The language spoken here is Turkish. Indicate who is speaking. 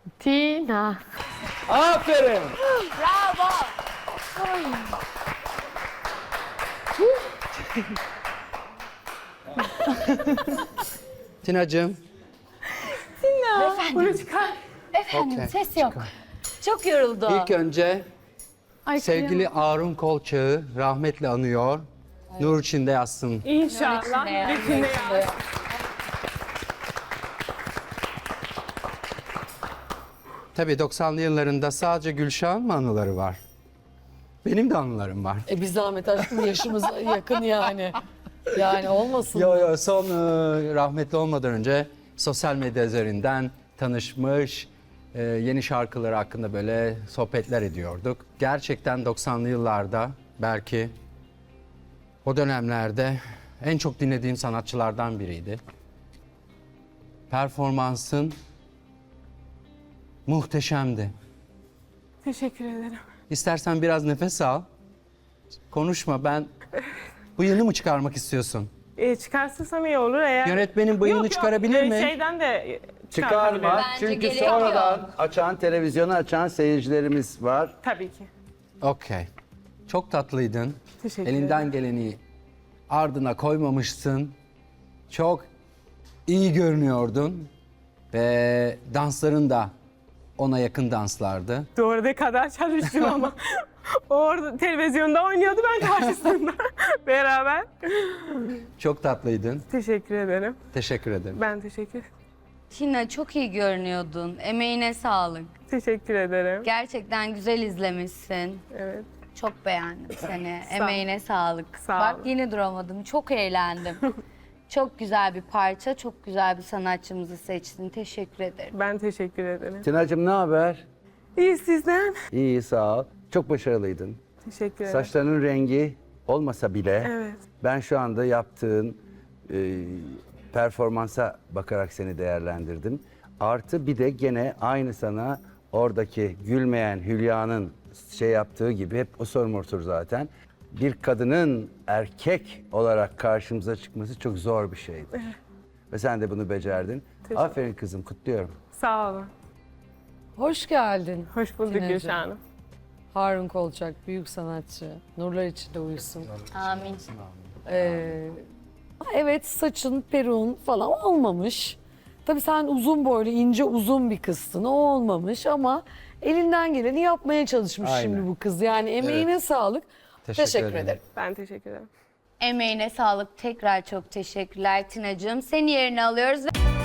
Speaker 1: Tina.
Speaker 2: Aferin.
Speaker 3: Bravo.
Speaker 4: Tina'cığım.
Speaker 1: Bunu çıkar.
Speaker 3: Efendim
Speaker 4: Okey,
Speaker 3: ses yok. Çok yoruldu.
Speaker 4: İlk önce
Speaker 1: Ay,
Speaker 4: sevgili Arun Kolçak'ı rahmetle anıyor. Nur içinde yatsın.
Speaker 1: İnşallah. Bütün ya.
Speaker 4: Tabii 90'lı yıllarında sadece Gülşah'ın mı anıları var? Benim de anılarım var.
Speaker 5: Bir zahmet aşkım yaşımız yakın yani. Yani olmasın.
Speaker 4: Yo son rahmetli olmadan önce sosyal medya üzerinden tanışmış, yeni şarkıları hakkında böyle sohbetler ediyorduk. Gerçekten 90'lı yıllarda belki o dönemlerde en çok dinlediğim sanatçılardan biriydi. Performansın muhteşemdi.
Speaker 1: Teşekkür ederim.
Speaker 4: İstersen biraz nefes al. Konuşma, ben bıyığını mı çıkarmak istiyorsun?
Speaker 1: Çıkarsırsam iyi olur eğer...
Speaker 4: Yönetmenin bıyığını çıkarabilir mi?
Speaker 1: Şeyden de
Speaker 2: Çıkarma.
Speaker 3: Bence
Speaker 2: Çünkü
Speaker 3: gerek
Speaker 2: sonradan
Speaker 3: yok.
Speaker 2: açan, televizyonu açan seyircilerimiz var.
Speaker 1: Tabii ki.
Speaker 4: Okey. Çok tatlıydın.
Speaker 1: Teşekkür
Speaker 4: Elinden geleni ardına koymamışsın. Çok iyi görünüyordun. Ve dansların da ona yakın danslardı.
Speaker 1: Doğru ne kadar çalıştım ama. O orada televizyonda oynuyordu, ben karşısında. Beraber.
Speaker 4: Çok tatlıydın.
Speaker 1: Teşekkür ederim.
Speaker 4: Teşekkür ederim.
Speaker 1: Ben teşekkür
Speaker 3: Tina çok iyi görünüyordun. Emeğine sağlık.
Speaker 1: Teşekkür ederim.
Speaker 3: Gerçekten güzel izlemişsin.
Speaker 1: Evet.
Speaker 3: Çok beğendim seni.
Speaker 1: ol.
Speaker 3: Emeğine sağlık.
Speaker 1: Sağ
Speaker 3: Bak
Speaker 1: ol.
Speaker 3: yine duramadım. Çok eğlendim. Çok güzel bir parça, çok güzel bir sanatçımızı seçtin. Teşekkür ederim.
Speaker 1: Ben teşekkür ederim.
Speaker 2: Tina'cığım ne haber?
Speaker 1: İyi sizden.
Speaker 2: İyi sağ ol. Çok başarılıydın.
Speaker 1: Teşekkür ederim.
Speaker 2: Saçlarının rengi olmasa bile
Speaker 1: Evet.
Speaker 2: ben şu anda yaptığın performansa bakarak seni değerlendirdim. Artı bir de gene aynı sana oradaki gülmeyen Hülya'nın şey yaptığı gibi hep o sorumludur zaten. Bir kadının erkek olarak karşımıza çıkması çok zor bir şeydir. Ve sen de bunu becerdin. Aferin kızım, kutluyorum.
Speaker 1: Sağ olun.
Speaker 5: Hoş geldin.
Speaker 1: Hoş bulduk
Speaker 5: Tina'cığım.
Speaker 1: Gülşah Hanım.
Speaker 5: Harun Kolçak, büyük sanatçı. Nurlar içinde uyusun.
Speaker 3: Amin.
Speaker 5: Evet, saçın, peruğun falan olmamış. Tabii sen uzun boylu, ince uzun bir kızsın. O olmamış ama elinden geleni yapmaya çalışmış
Speaker 4: Aynen.
Speaker 5: şimdi bu kız. Yani emeğine sağlık. Teşekkür
Speaker 4: ederim.
Speaker 5: ederim.
Speaker 1: Ben teşekkür ederim.
Speaker 3: Emeğine sağlık. Tekrar çok teşekkürler Tina'cığım. Seni yerine alıyoruz ve...